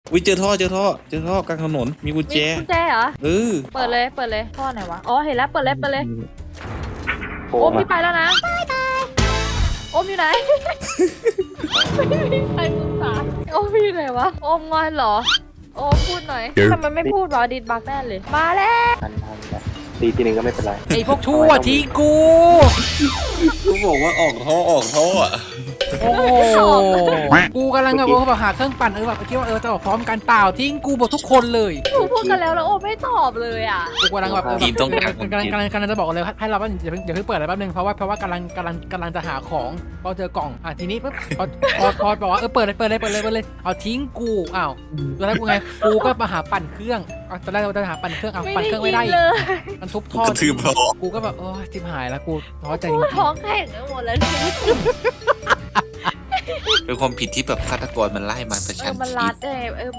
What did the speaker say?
วิเจอท่อกลางถนนมีกุญแจมีกุญแจเหรอเออเปิดเลยท่อไหนวะอ๋อเห็นแล้วเปิดเลยโอ้โอมมาพี่ไปแล้วนะโอมอยู่ไหนไม่มีใครสงสารโอมอยู่ไหนวะโอมงอนเหรอโอมพูดหน่อยทำไมไม่พูดวะดิดบักแน่เลยมาแล้วทันแบบตีทีหนึ่งก็ไม่เป็นไรไอ้พวกชั่วทิ้งกูกูบอกว่าออกท่ออ่ะโอ้โหกูกำลังแบบหาเครื่องปั่นแบบคิดว่าจะออกพร้อมกันเปล่าทิ้งกูหมดทุกคนเลยหนูพูดกันแล้วโอมไม่ตอบเลยอ่ะกูกำลังแบบทีมต้องการกำลังจะบอกเลยให้เราว่าอย่าเพิ่งเปิดอะไรแป๊บนึงเพราะว่ากำลังจะหาของพอเจอกล่องทีนี้ปุ๊บพอบอกว่าเปิดเลยเอาทิ้งกูอ้าวตอนแรกกูไงกูก็มาหาปั่นเครื่องตอนแรกเราจะหาปั่นเครื่องปั่นเครื่องไม่ได้เลยมันทุบท่อกระทืบล้อกูก็แบบโอ้จิบหายแล้วกูท้อใจจกูริงท้องแข็งไปหมดแล้วเนี่ยเป็นความผิดที่แบบฆาตกรมันไล่มาประชันมันชีรัวิดตเออ